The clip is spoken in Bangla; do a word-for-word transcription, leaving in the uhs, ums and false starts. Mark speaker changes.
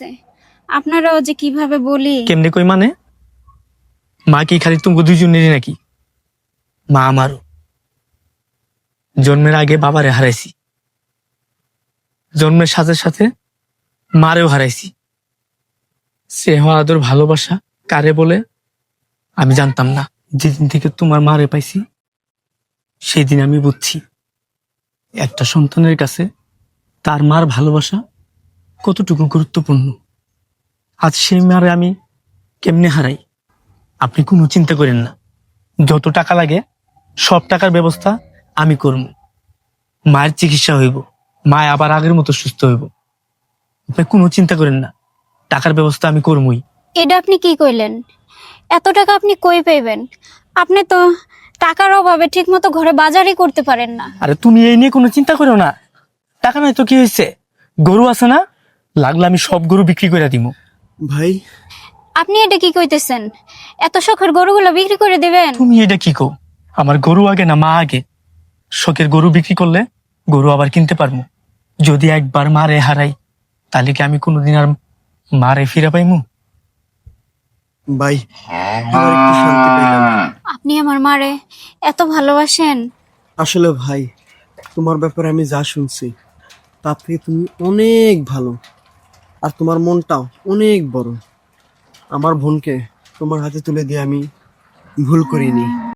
Speaker 1: আপনারাও যে কিভাবে বলি।
Speaker 2: কেমনে কই মানে? মা কি খালি তুমি দুইজনেরই নাকি? মা আমারও। জন্মের আগে বাবারে হারাইছি, জন্মের সাথে সাথে মারেও হারাইছি। স্নেহ আদর ভালোবাসা কারে বলে আমি জানতাম না। যেদিন থেকে তোমার মারে পাইছি সেই দিন আমি বুঝছি একটা সন্তানের কাছে তার মার ভালোবাসা কতটুকু গুরুত্বপূর্ণ। আজ সেই মারে আমি কেমনে হারাই আপনি কোনো চিন্তা করেন না। যত টাকা লাগে সব টাকার ব্যবস্থা আমি করব। মায়ের চিকিৎসা হইব, মা আবার আগের মতো সুস্থ হইব। আপনি কোনো চিন্তা করেন না, টাকার ব্যবস্থা আমি করবই।
Speaker 1: এটা আপনি কি কইলেন? এত টাকা আপনি কই পাইবেন? আপনি তো টাকার অভাবে ঠিক মতো ঘরে বাজারই করতে পারেন না।
Speaker 2: আরে তুমি এই নিয়ে কোনো চিন্তা করো না, টাকা নাই তো কি হয়েছে? গরু আছে না, লাগলে আমি সব গরু বিক্রি করে দিব।
Speaker 3: ভাই
Speaker 1: আপনি এটা কি কইতেছেন? এত শখের গরুগুলো বিক্রি করে দিবেন?
Speaker 2: তুমি এটা কি কও? আমার গরু আগে না মা আগে? শখের গরু বিক্রি করলে গরু আবার কিনতে পারবো। যদি একবার মারে হারাই তাহলে কি আমি কোনোদিন আর মারে ফিরে পাইমু?
Speaker 3: ভাই এবার একটু শান্তি পেলাম।
Speaker 1: আপনি আমার মারে এত ভালোবাসেন?
Speaker 3: আসলে ভাই তোমার ব্যাপারে আমি যা শুনছি তার থেকে তুমি অনেক ভালো, আর তোমার মনটাও অনেক বড়। আমার বোনকে তোমার হাতে তুলে দিয়ে আমি ভুল করিনি।